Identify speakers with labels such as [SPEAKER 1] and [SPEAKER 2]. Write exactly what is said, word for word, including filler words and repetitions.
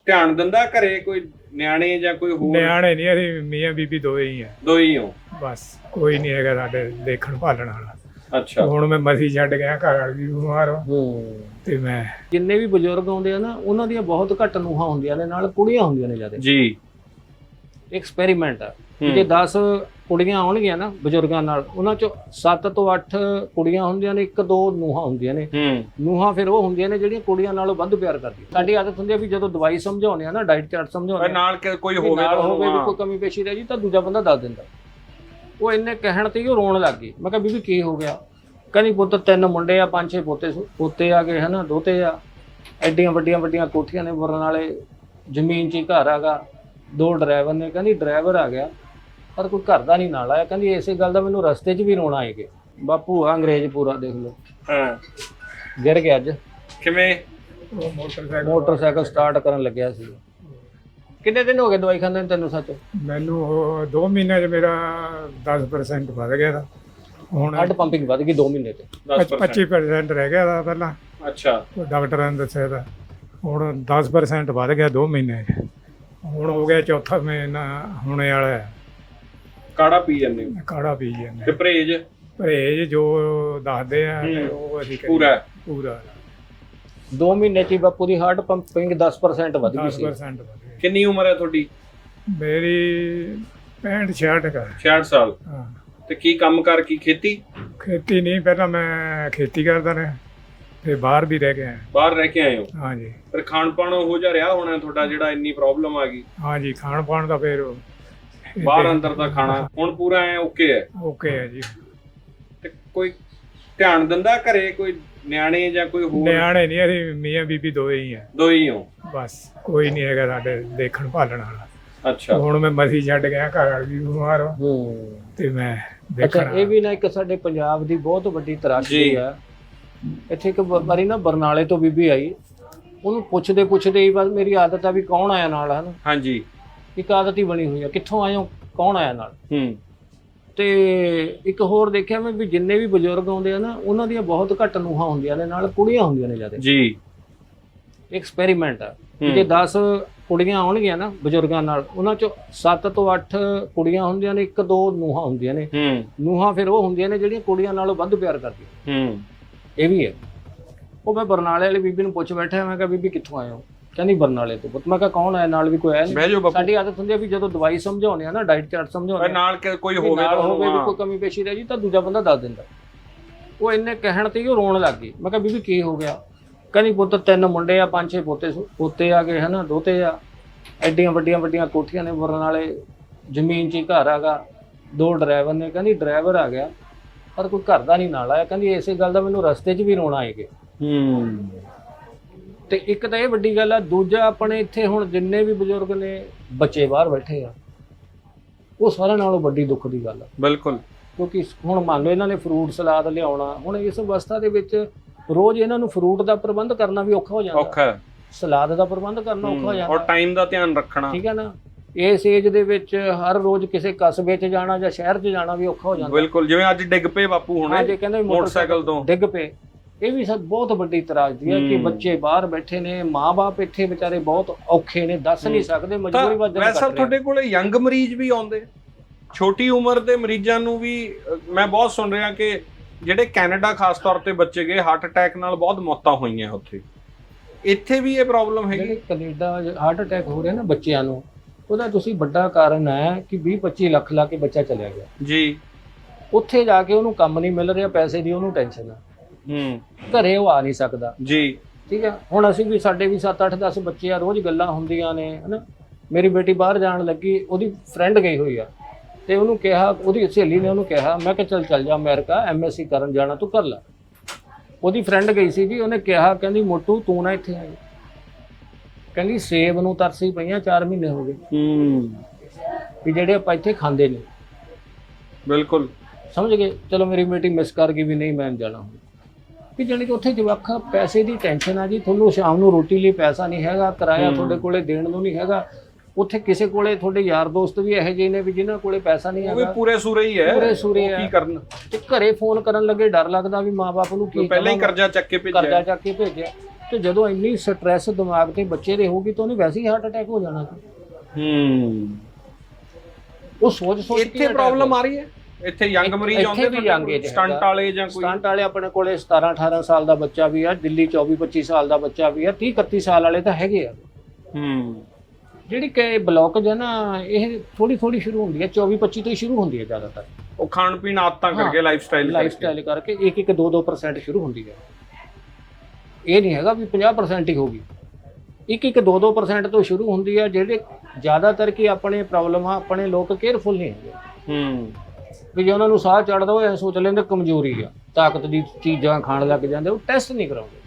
[SPEAKER 1] ਧਿਆਨ ਦਿੰਦਾ ਘਰੇ ਕੋਈ ਨਿਆਣੇ ਜਾਂ ਕੋਈ ਹੋਰ?
[SPEAKER 2] ਨਿਆਣੇ ਨਹੀਂ, ਅਸੀਂ ਮੀਆਂ ਬੀਬੀ ਦੋਵੇਂ ਹੀ ਆ
[SPEAKER 1] ਦੋ ਹੀ ਹੋ?
[SPEAKER 2] ਬਸ, ਕੋਈ ਨਹੀਂ ਹੈਗਾ ਸਾਡੇ ਦੇਖਣ ਭਾਲਣ ਵਾਲਾ।
[SPEAKER 1] ਅੱਛਾ।
[SPEAKER 2] ਹੁਣ ਮੈਂ ਮਸੀ ਛੱਡ ਗਿਆ, ਘਰ ਵਾਲੀ ਵੀ ਬਿਮਾਰ ਵਾ
[SPEAKER 3] ਹੂੰ
[SPEAKER 2] ਤੇ ਮੈਂ
[SPEAKER 3] ਜਿੰਨੇ ਵੀ ਬਜ਼ੁਰਗ ਆਉਂਦੇ ਆ ਨਾ, ਉਹਨਾਂ ਦੀਆਂ ਬਹੁਤ ਘੱਟ ਨੂੰਹਾਂ ਹੁੰਦੀਆਂ ਨੇ, ਨਾਲ ਕੁੜੀਆਂ ਹੁੰਦੀਆਂ ਨੇ ਜ਼ਿਆਦਾ।
[SPEAKER 1] ਜੀ।
[SPEAKER 3] ਐਕਸਪੈਰੀਮੈਂਟ ਆ ਜੇ ਦਸ ਕੁੜੀਆਂ ਆਉਣਗੀਆਂ ਨਾ ਬਜ਼ੁਰਗਾਂ ਨਾਲ, ਉਹਨਾਂ ਚੋਂ ਸੱਤ ਤੋਂ ਅੱਠ ਕੁੜੀਆਂ ਹੁੰਦੀਆਂ ਨੇ, ਇੱਕ ਦੋ ਨੂੰਹਾਂ ਹੁੰਦੀਆਂ ਨੇ।
[SPEAKER 1] ਹੂੰ।
[SPEAKER 3] ਨੂੰਹਾਂ ਫਿਰ ਉਹ ਹੁੰਦੀਆਂ ਨੇ ਜਿਹੜੀਆਂ ਕੁੜੀਆਂ ਨਾਲੋਂ ਵੱਧ ਪਿਆਰ ਕਰਦੀਆਂ। ਸਾਡੀ ਆਦਤ ਹੁੰਦੀ ਆ ਵੀ ਜਦੋਂ ਦਵਾਈ ਸਮਝਾਉਂਦੇ ਆ ਨਾ, ਡਾਈਟ ਚਾਰਟ ਸਮਝਾਉਂਦੇ ਆ,
[SPEAKER 1] ਨਾਲ ਕਿ ਕੋਈ
[SPEAKER 3] ਵੀ
[SPEAKER 1] ਹੋਵੇ
[SPEAKER 3] ਨਾਲ
[SPEAKER 1] ਤਾਂ
[SPEAKER 3] ਹੋਵੇ ਵੀ
[SPEAKER 1] ਹਾਂ।
[SPEAKER 3] ਕੋਈ ਕਮੀ ਪੇਸ਼ੀ ਰਹਿ ਜੀ ਤਾਂ ਦੂਜਾ ਬੰਦਾ ਦੱਸ ਦਿੰਦਾ। ਉਹ ਇੰਨੇ ਕਹਿਣ ਤੇ ਹੀ ਉਹ ਰੋਣ ਲੱਗ ਗਈ। ਮੈਂ ਕਿਹਾ ਬੀਬੀ ਕੀ ਹੋ ਗਿਆ? ਕਹਿੰਦੀ ਪੁੱਤ ਤਿੰਨ ਮੁੰਡੇ ਆ, ਪੰਜ ਛੇ ਪੋਤੇ ਪੋਤੇ ਆ ਗਏ ਹਨਾ, ਦੋਤੇ ਆ, ਐਡੀਆਂ ਵੱਡੀਆਂ ਵੱਡੀਆਂ ਕੋਠੀਆਂ ਨੇ, ਬਰਨ ਵਾਲੇ ਜ਼ਮੀਨ 'ਚ ਹੀ ਘਰ ਆਗਾ, ਦੋ ਡਰਾਈਵਰ ਨੇ। ਕਹਿੰਦੀ ਡਰਾਈਵਰ ਆ ਗਿਆ ਪਰ ਕੋਈ ਘਰ ਦਾ ਨਹੀਂ ਨਾਲ ਆਇਆ। ਕਹਿੰਦੀ ਇਸੇ ਗੱਲ ਦਾ ਮੈਨੂੰ ਰਸਤੇ 'ਚ ਵੀ ਰੋਣਾ ਆਏ ਗਿਆ। ਬਾਪੂ ਆ ਅੰਗਰੇਜ਼ ਪੂਰਾ ਦੇਖ ਲਓ,
[SPEAKER 1] ਹਾਂ
[SPEAKER 3] ਗਿਰ ਗਿਆ ਅੱਜ।
[SPEAKER 1] ਕਿਵੇਂ?
[SPEAKER 2] ਉਹ ਮੋਟਰਸਾਈਕਲ
[SPEAKER 3] ਮੋਟਰਸਾਈਕਲ ਸਟਾਰਟ ਕਰਨ ਲੱਗਿਆ ਸੀ। ਕਿੰਨੇ ਦਿਨ ਹੋ ਗਏ ਦਵਾਈ ਖਾਂਦੇ ਨੂੰ ਤੈਨੂੰ? ਸੱਚ
[SPEAKER 2] ਮੈਨੂੰ ਉਹ ਦੋ ਮਹੀਨਿਆਂ 'ਚ ਮੇਰਾ ਦਸ ਪਰਸੈਂਟ ਵੱਧ ਗਿਆ ਤਾ। ਹੁਣ
[SPEAKER 3] ਹੱਡ ਪੰਪਿੰਗ ਵੱਧ ਗਈ ਦੋ ਮਹੀਨੇ ਤੇ।
[SPEAKER 2] ਪੱਚੀ ਪਰਸੈਂਟ ਰਹਿ ਗਿਆ ਤਾ ਪਹਿਲਾਂ,
[SPEAKER 1] ਅੱਛਾ।
[SPEAKER 2] ਡਾਕਟਰਾਂ ਨੇ ਦੱਸਿਆ ਤਾਂ। ਹੁਣ ਦਸ ਪਰਸੈਂਟ ਵੱਧ ਗਿਆ ਦੋ ਮਹੀਨੇ 'ਚ। ਹੁਣ ਹੋ ਗਿਆ ਚੌਥਾ ਮਹੀਨਾ ਹੋਣੇ ਵਾਲਾ ਹੈ।
[SPEAKER 1] ਕਾੜਾ ਪੀ ਜਾਂਦੇ ਹੋ?
[SPEAKER 2] ਕਾੜਾ ਪੀ ਜਾਂਦੇ
[SPEAKER 1] ਤੇ ਪਰਹੇਜ?
[SPEAKER 2] ਪਰਹੇਜ ਜੋ ਦੱਸਦੇ ਆ ਤੇ ਉਹ ਅਸੀਂ ਕਰੀਏ।
[SPEAKER 1] ਪੂਰਾ
[SPEAKER 2] ਪੂਰਾ
[SPEAKER 3] ਦੋ ਮਹੀਨੇ 'ਚ ਹੀ ਬਾਪੂ ਦੀ ਹਾਰਟ ਪੰਪਿੰਗ ਦਸ ਪਰਸੈਂਟ ਵੱਧ ਗਈ
[SPEAKER 2] ਦਸ
[SPEAKER 3] ਸੀ।
[SPEAKER 2] ਪਰਸੈਂਟ ਵੱਧ ਗਿਆ।
[SPEAKER 1] ਕਿੰਨੀ ਉਮਰ ਹੈ ਤੁਹਾਡੀ?
[SPEAKER 2] ਮੇਰੀ ਪੈਂਹਠ ਛਿਆਹਠ ਕਾ।
[SPEAKER 1] ਛਿਆਹਠ ਸਾਲ।
[SPEAKER 2] ਹਾਂ।
[SPEAKER 1] ਤੇ ਕੀ ਕੰਮ ਕਰ ਕੀ ਖੇਤੀ?
[SPEAKER 2] ਖੇਤੀ ਨਹੀਂ, ਪਹਿਲਾਂ ਮੈਂ ਖੇਤੀ ਕਰਦਾ ਰਿਹਾ, ਤੇ ਬਾਹਰ ਵੀ ਰਹਿ ਗਿਆ।
[SPEAKER 1] ਬਾਹਰ ਰਹਿ ਕੇ ਆਏ ਹੋ?
[SPEAKER 2] ਹਾਂਜੀ।
[SPEAKER 1] ਫਿਰ ਖਾਣ ਪਾਣ ਉਹੋ ਜਿਹਾ ਰਿਹਾ ਹੋਣਾ ਤੁਹਾਡਾ ਜਿਹੜਾ ਇੰਨੀ ਪ੍ਰੋਬਲਮ ਆ ਗਈ?
[SPEAKER 2] ਹਾਂਜੀ, ਖਾਣ ਪਾਣ ਦਾ ਫਿਰ
[SPEAKER 1] ਬਾਹਰ ਅੰਦਰ ਦਾ ਖਾਣਾ ਹੁਣ ਪੂਰਾ ਐ ਓਕੇ ਹੈ?
[SPEAKER 2] ਓਕੇ ਹੈ ਜੀ।
[SPEAKER 1] ਤੇ ਕੋਈ ਧਿਆਨ ਦਿੰਦਾ ਘਰੇ ਕੋਈ ਨਿਆਣੇ ਜਾਂ ਕੋਈ ਹੋਰ?
[SPEAKER 2] ਨਿਆਣੇ ਨਹੀਂ, ਅਸੀਂ ਮੀਆਂ ਬੀਬੀ ਦੋਵੇਂ ਹੀ ਆ
[SPEAKER 1] ਦੋ ਹੀ ਹੋ?
[SPEAKER 2] ਬਸ, ਕੋਈ ਨਹੀਂ ਹੈਗਾ ਸਾਡੇ ਦੇਖਣ ਭਾਲਣ ਵਾਲਾ।
[SPEAKER 1] ਅੱਛਾ।
[SPEAKER 2] ਹੁਣ ਮੈਂ ਮਸੀ ਛੱਡ ਗਿਆ, ਘਰ ਵਾਲੀ ਵੀ ਬਿਮਾਰ ਵਾ
[SPEAKER 3] ਹੂੰ
[SPEAKER 2] ਤੇ ਮੈਂ
[SPEAKER 3] ਅੱਛਾ।
[SPEAKER 2] ਦੇਖਣਾ।
[SPEAKER 3] ਇਹ ਵੀ ਨਾ ਇੱਕ ਸਾਡੇ ਪੰਜਾਬ ਦੀ ਬਹੁਤ ਵੱਡੀ ਤਰਾਸ਼ੀ ਆ। ਇੱਥੇ ਇੱਕ ਵਾਰੀ ਨਾ ਬਰਨਾਲੇ ਤੋਂ ਬੀਬੀ ਆਈ, ਉਹਨੂੰ ਪੁੱਛਦੇ ਪੁੱਛਦੇ ਹੀ ਬਸ ਮੇਰੀ ਆਦਤ ਆ ਵੀ ਕੌਣ ਆਇਆ ਨਾਲ, ਹਨ
[SPEAKER 1] ਹਾਂਜੀ।
[SPEAKER 3] ਇੱਕ ਆਦਤ ਹੀ ਬਣੀ ਹੋਈ ਆ, ਕਿੱਥੋਂ ਆਏ ਹੋ, ਕੌਣ ਆਇਆ ਨਾਲ।
[SPEAKER 1] ਹੂੰ।
[SPEAKER 3] ਤੇ ਇੱਕ ਹੋਰ ਦੇਖਿਆ ਮੈਂ ਵੀ ਜਿੰਨੇ ਵੀ ਬਜ਼ੁਰਗ ਆਉਂਦੇ ਆ ਨਾ, ਉਹਨਾਂ ਦੀਆਂ ਬਹੁਤ ਘੱਟ ਨੂੰਹਾਂ ਹੁੰਦੀਆਂ ਨੇ, ਨਾਲ ਕੁੜੀਆਂ ਹੁੰਦੀਆਂ ਨੇ ਜ਼ਿਆਦਾ।
[SPEAKER 1] ਜੀ।
[SPEAKER 3] ਐਕਸਪੈਰੀਮੈਂਟ ਆ ਜੇ ਦਸ ਕੁੜੀਆਂ ਆਉਣਗੀਆਂ ਨਾ ਬਜ਼ੁਰਗਾਂ ਨਾਲ, ਉਹਨਾਂ ਚੋਂ ਸੱਤ ਤੋਂ ਅੱਠ ਕੁੜੀਆਂ ਹੁੰਦੀਆਂ ਨੇ, ਇੱਕ ਦੋ ਨੂੰਹਾਂ ਹੁੰਦੀਆਂ ਨੇ।
[SPEAKER 1] ਹੂੰ।
[SPEAKER 3] ਨੂੰਹਾਂ ਫਿਰ ਉਹ ਹੁੰਦੀਆਂ ਨੇ ਜਿਹੜੀਆਂ ਕੁੜੀਆਂ ਨਾਲੋਂ ਵੱਧ ਪਿਆਰ ਕਰਦੀਆਂ।
[SPEAKER 1] ਹੂੰ।
[SPEAKER 3] ਇਹ ਵੀ ਹੈ। ਉਹ ਮੈਂ ਬਰਨਾਲੇ ਵਾਲੀ ਬੀਬੀ ਨੂੰ ਪੁੱਛ ਬੈਠਾ, ਮੈਂ ਕਿਹਾ ਬੀਬੀ ਕਿੱਥੋਂ ਆਏ ਹੋ? ਕਹਿੰਦੀ ਬਰਨਾਲੇ ਤੋਂ। ਪੁੱਤ ਮੈਂ ਕਿਹਾ ਕੌਣ ਆਇਆ ਨਾਲ? ਵੀ ਕੋਈ ਆਇਆ
[SPEAKER 1] ਬਹਿ ਜਾਓ
[SPEAKER 3] ਨਹੀਂ।
[SPEAKER 1] ਬਾਪੂ।
[SPEAKER 3] ਸਾਡੀ ਆਦਤ ਹੁੰਦੀ ਆ ਵੀ ਜਦੋਂ ਦਵਾਈ ਸਮਝਾਉਂਦੇ ਆ ਨਾ, ਡਾਈਟ ਚਾਰਟ ਸਮਝਾਉਂਦੇ ਆ,
[SPEAKER 1] ਨਾਲ ਕਿ ਕੋਈ
[SPEAKER 3] ਵੀ
[SPEAKER 1] ਹੋਵੇ
[SPEAKER 3] ਨਾਲ
[SPEAKER 1] ਤਾਂ
[SPEAKER 3] ਹੋਵੇ ਵੀ
[SPEAKER 1] ਹਾਂ।
[SPEAKER 3] ਕੋਈ ਕਮੀ ਪੇਸ਼ੀ ਰਹਿ ਜੀ ਤਾਂ ਦੂਜਾ ਬੰਦਾ ਦੱਸ ਦਿੰਦਾ। ਉਹ ਇੰਨੇ ਕਹਿਣ ਤੇ ਹੀ ਉਹ ਰੋਣ ਲੱਗ ਗਈ। ਮੈਂ ਕਿਹਾ ਬੀਬੀ ਕੀ ਹੋ ਗਿਆ? ਕਹਿੰਦੀ ਪੁੱਤ ਤਿੰਨ ਮੁੰਡੇ ਆ, ਪੰਜ ਛੇ ਪੋਤੇ ਪੋਤੇ ਆ ਗਏ ਹਨਾ, ਦੋਤੇ ਆ, ਐਡੀਆਂ ਵੱਡੀਆਂ ਵੱਡੀਆਂ ਕੋਠੀਆਂ ਨੇ, ਬਰਨ ਵਾਲੇ ਜ਼ਮੀਨ 'ਚ ਹੀ ਘਰ ਆਗਾ, ਦੋ ਡਰਾਈਵਰ ਨੇ। ਕਹਿੰਦੀ ਡਰਾਈਵਰ ਆ ਗਿਆ ਪਰ ਕੋਈ ਘਰ ਦਾ ਨਹੀਂ ਨਾਲ ਆਇਆ। ਕਹਿੰਦੀ ਇਸੇ ਗੱਲ ਦਾ ਮੈਨੂੰ ਰਸਤੇ 'ਚ ਵੀ ਰੋਣਾ ਆਏ ਗਿਆ।
[SPEAKER 1] ਹੂੰ।
[SPEAKER 3] ਤੇ ਇੱਕ ਤਾਂ ਇਹ ਵੱਡੀ ਗੱਲ ਆ। ਦੂਜਾ ਆਪਣੇ ਇੱਥੇ ਹੁਣ ਜਿੰਨੇ ਵੀ ਬਜ਼ੁਰਗ ਨੇ, ਬੱਚੇ ਬਾਹਰ ਬੈਠੇ ਆ, ਉਹ ਸਾਰਿਆਂ ਨਾਲੋਂ ਵੱਡੀ ਦੁੱਖ ਦੀ ਗੱਲ ਆ।
[SPEAKER 1] ਬਿਲਕੁਲ।
[SPEAKER 3] ਕਿਉਂਕਿ ਹੁਣ ਮੰਨ ਲਓ ਇਹਨਾਂ ਨੇ ਫਰੂਟ ਸਲਾਦ ਲਿਆਉਣਾ, ਹੁਣ ਇਸ ਅਵਸਥਾ ਦੇ ਵਿੱਚ ਰੋਜ਼ ਇਹਨਾਂ ਨੂੰ ਫਰੂਟ ਦਾ ਪ੍ਰਬੰਧ ਕਰਨਾ ਵੀ ਔਖਾ ਹੋ ਜਾਂਦਾ,
[SPEAKER 1] ਔਖਾ।
[SPEAKER 3] ਸਲਾਦ ਦਾ ਪ੍ਰਬੰਧ ਕਰਨਾ ਔਖਾ ਹੋ ਜਾਂਦਾ,
[SPEAKER 1] ਔਰ ਟਾਈਮ ਦਾ ਧਿਆਨ ਰੱਖਣਾ।
[SPEAKER 3] ਠੀਕ ਹੈ ਨਾ। ਇਸ ਏਜ ਦੇ ਵਿੱਚ ਹਰ ਰੋਜ਼ ਕਿਸੇ ਕਸਬੇ 'ਚ ਜਾਣਾ ਜਾਂ ਸ਼ਹਿਰ 'ਚ ਜਾਣਾ ਵੀ ਔਖਾ ਹੋ ਜਾਂਦਾ।
[SPEAKER 1] ਬਿਲਕੁਲ। ਜਿਵੇਂ ਅੱਜ ਡਿੱਗ ਪਏ ਬਾਪੂ
[SPEAKER 3] ਹਾਂ,
[SPEAKER 1] ਹੁਣੇ
[SPEAKER 3] ਜੇ ਕਹਿੰਦੇ
[SPEAKER 1] ਮੋਟਰਸਾਈਕਲ ਤੋਂ
[SPEAKER 3] ਡਿੱਗ ਪਏ, ਇਹ ਵੀ ਸਭ ਬਹੁਤ ਵੱਡੀ ਤਰਾਸਦੀ ਹੈ ਕਿ ਬੱਚੇ ਬਾਹਰ ਬੈਠੇ ਨੇ, ਮਾਂ-ਬਾਪ ਇੱਥੇ ਵਿਚਾਰੇ ਬਹੁਤ ਔਖੇ ਨੇ, ਦੱਸ ਨਹੀਂ ਸਕਦੇ, ਮਜਬੂਰੀ ਵਜੋਂ।
[SPEAKER 1] ਵੈਸੇ ਤੁਹਾਡੇ ਕੋਲੇ ਯੰਗ ਮਰੀਜ਼ ਵੀ ਆਉਂਦੇ, ਛੋਟੀ ਉਮਰ ਦੇ ਮਰੀਜ਼ਾਂ ਨੂੰ ਵੀ ਮੈਂ ਬਹੁਤ ਸੁਣ ਰਿਹਾ ਕਿ ਜਿਹੜੇ ਕੈਨੇਡਾ ਖਾਸ ਤੌਰ ਤੇ ਬੱਚੇ ਗਏ, ਹਾਰਟ ਅਟੈਕ ਨਾਲ ਬਹੁਤ ਮੌਤਾਂ ਹੋਈਆਂ ਉੱਥੇ। ਇੱਥੇ ਵੀ ਇਹ ਪ੍ਰੋਬਲਮ ਹੈਗੀ?
[SPEAKER 3] ਜਿਹੜੇ ਕੈਨੇਡਾ ਹਾਰਟ ਅਟੈਕ ਹੋ ਰਿਹਾ ਨਾ ਬੱਚਿਆਂ ਨੂੰ, ਉਹਦਾ ਤੁਸੀਂ ਵੱਡਾ ਕਾਰਨ ਹੈ ਕਿ ਵੀਹ ਪੱਚੀ ਲੱਖ ਲਾ ਕੇ ਬੱਚਾ ਚਲਿਆ ਗਿਆ
[SPEAKER 1] ਜੀ।
[SPEAKER 3] ਉੱਥੇ ਜਾ ਕੇ ਉਹਨੂੰ ਕੰਮ ਨਹੀਂ ਮਿਲ ਰਿਹਾ, ਪੈਸੇ ਦੀ ਉਹਨੂੰ ਟੈਨਸ਼ਨ ਆ,
[SPEAKER 1] ਹੂੰ।
[SPEAKER 3] ਘਰੇ ਉਹ ਆ ਨਹੀਂ ਸਕਦਾ
[SPEAKER 1] ਜੀ।
[SPEAKER 3] ਠੀਕ ਹੈ। ਹੁਣ ਅਸੀਂ ਵੀ, ਸਾਡੇ ਵੀ ਸੱਤ ਅੱਠ ਦਸ ਬੱਚੇ ਆ, ਰੋਜ਼ ਗੱਲਾਂ ਹੁੰਦੀਆਂ ਨੇ ਹਨਾ। ਮੇਰੀ ਬੇਟੀ ਬਾਹਰ ਜਾਣ ਲੱਗੀ, ਉਹਦੀ ਫਰੈਂਡ ਗਈ ਹੋਈ ਆ, ਤੇ ਉਹਨੂੰ ਕਿਹਾ, ਉਹਦੀ ਸਹੇਲੀ ਨੇ ਉਹਨੂੰ ਕਿਹਾ, ਮੈਂ ਕਿਹਾ ਚੱਲ ਚੱਲ ਜਾ ਅਮਰੀਕਾ, ਐਮ ਐਸ ਸੀ ਕਰਨ ਜਾਣਾ, ਤੂੰ ਕਰ ਲੈ। ਉਹਦੀ ਫਰੈਂਡ ਗਈ ਸੀ ਜੀ, ਉਹਨੇ ਕਿਹਾ, ਕਹਿੰਦੀ ਮੋਟੂ ਤੂੰ ਨਾ ਇੱਥੇ ਆਈ, ਕਹਿੰਦੀ ਸੇਬ ਨੂੰ ਤਰਸੀ ਪਈਆਂ, ਚਾਰ ਮਹੀਨੇ ਹੋ ਗਏ।
[SPEAKER 1] ਹੂੰ।
[SPEAKER 3] ਵੀ ਜਿਹੜੇ ਆਪਾਂ ਇੱਥੇ ਖਾਂਦੇ ਨੇ।
[SPEAKER 1] ਬਿਲਕੁਲ।
[SPEAKER 3] ਸਮਝ ਗਏ। ਚਲੋ ਮੇਰੀ ਬੇਟੀ ਮਿਸ ਕਰ ਗਈ ਵੀ ਨਹੀਂ ਮੈਂ ਜਾਣਾ ਹੁਣ, ਵੀ ਜਾਣੀ ਕਿ ਉੱਥੇ ਜਵਾਖਾ ਪੈਸੇ ਦੀ ਟੈਨਸ਼ਨ ਆ ਜੀ। ਤੁਹਾਨੂੰ ਸ਼ਾਮ ਨੂੰ ਰੋਟੀ ਲਈ ਪੈਸਾ ਨਹੀਂ ਹੈਗਾ, ਕਿਰਾਇਆ ਤੁਹਾਡੇ ਕੋਲੇ ਦੇਣ ਨੂੰ ਨਹੀਂ ਹੈਗਾ। ਉੱਥੇ ਕਿਸੇ ਕੋਲੇ ਤੁਹਾਡੇ ਯਾਰ ਦੋਸਤ ਵੀ ਇਹੋ ਜਿਹੇ ਨੇ ਵੀ ਜਿਨ੍ਹਾਂ ਕੋਲੇ ਪੈਸਾ ਨਹੀਂ
[SPEAKER 1] ਉਹ ਵੀ
[SPEAKER 3] ਹੈਗਾ,
[SPEAKER 1] ਪੂਰੇ ਸੂਰੇ ਹੀ ਹੈ,
[SPEAKER 3] ਪੂਰੇ ਸੂਰੇ
[SPEAKER 1] ਉਹ
[SPEAKER 3] ਆ।
[SPEAKER 1] ਕੀ ਕਰਨ?
[SPEAKER 3] ਤੇ ਘਰੇ ਫੋਨ ਕਰਨ ਲੱਗੇ ਡਰ ਲੱਗਦਾ ਵੀ ਮਾਂ-ਬਾਪ ਨੂੰ ਕੀ
[SPEAKER 1] ਪਹਿਲਾਂ ਹੀ ਕਰਜ਼ਾ ਚੱਕ ਕੇ ਭੇਜਿਆ,
[SPEAKER 3] ਕਰਜ਼ਾ ਚੱਕ ਕੇ ਭੇਜਿਆ। ਤੇ ਜਦੋਂ ਇੰਨੀ ਸਟ੍ਰੈਸ ਦਿਮਾਗ ਤੇ ਬੱਚੇ ਦੇ ਹੋਊਗੀ ਤਾਂ ਉਹਨੇ ਵੈਸੇ ਹੀ ਹਾਰਟ ਅਟੈਕ ਹੋ ਜਾਣਾ ਸੀ।
[SPEAKER 1] ਹੂੰ
[SPEAKER 3] ਉਹ ਸੋਚ ਸੋਚ
[SPEAKER 1] ਇੱਥੇ ਪ੍ਰੋਬਲਮ ਆ ਰਹੀ ਹੈ, ਇੱਥੇ ਯੰਗ ਮਰੀਜ਼ ਆਉਂਦੇ
[SPEAKER 3] ਇੱਥੇ ਵੀ young age
[SPEAKER 1] ਸਟੰਟ
[SPEAKER 3] ਹੈਗਾ।
[SPEAKER 1] ਵਾਲੇ ਜਾਂ ਕੋਈ
[SPEAKER 3] ਸਟੰਟ ਵਾਲੇ ਆਪਣੇ ਕੋਲੇ ਸਤਾਰਾਂ ਅਠਾਰਾਂ ਸਾਲ ਦਾ ਬੱਚਾ ਵੀ ਆ, ਦਿੱਲੀ ਚੌਵੀ ਪੱਚੀ ਸਾਲ ਦਾ ਬੱਚਾ ਵੀ ਆ, ਤੀਹ ਇਕੱਤੀ ਸਾਲ ਵਾਲੇ ਤਾਂ ਹੈਗੇ ਆ।
[SPEAKER 1] ਹੂੰ
[SPEAKER 3] ਜਿਹੜੀ ਕਿ ਬਲੌਕੇਜ ਹੈ ਨਾ, ਇਹ ਥੋੜੀ ਥੋੜੀ ਸ਼ੁਰੂ ਹੁੰਦੀ ਹੈ, ਚੌਵੀ ਪੱਚੀ ਤੋਂ ਹੀ ਸ਼ੁਰੂ ਹੁੰਦੀ ਹੈ ਜ਼ਿਆਦਾਤਰ।
[SPEAKER 1] ਉਹ ਖਾਣ ਪੀਣ ਆਦਤਾਂ ਕਰਕੇ, ਲਾਈਫ ਸਟਾਈਲ
[SPEAKER 3] ਲਾਈਫ ਸਟਾਈਲ ਕਰਕੇ ਇੱਕ ਇੱਕ ਦੋ ਦੋ ਪਰਸੈਂਟ ਸ਼ੁਰੂ ਹੁੰਦੀ ਹੈ। ਇਹ ਨਹੀਂ ਹੈਗਾ ਵੀ ਪੰਜਾਹ ਪਰਸੈਂਟ ਹੀ ਹੋਗੀ, ਇੱਕ ਇੱਕ ਦੋ ਦੋ ਪਰਸੈਂਟ ਤੋਂ ਸ਼ੁਰੂ ਹੁੰਦੀ ਹੈ। ਜਿਹੜੇ ਜ਼ਿਆਦਾਤਰ ਕੀ ਆਪਣੇ ਪ੍ਰੋਬਲਮ ਆ, ਆਪਣੇ ਲੋਕ ਕੇਅਰਫੁਲ ਨਹੀਂ ਹੈਗੇ।
[SPEAKER 1] ਹੂੰ
[SPEAKER 3] ਵੀ ਜੇ ਉਹਨਾਂ ਨੂੰ ਸਾਹ ਚੜਦਾ ਉਹ ਇਹ ਸੋਚ ਲੈਂਦੇ ਕਮਜ਼ੋਰੀ ਆ, ਤਾਕਤ ਦੀ ਚੀਜ਼ਾਂ ਖਾਣ ਲੱਗ ਜਾਂਦੇ, ਉਹ ਟੈਸਟ ਨਹੀਂ ਕਰਾਉਂਦੇ।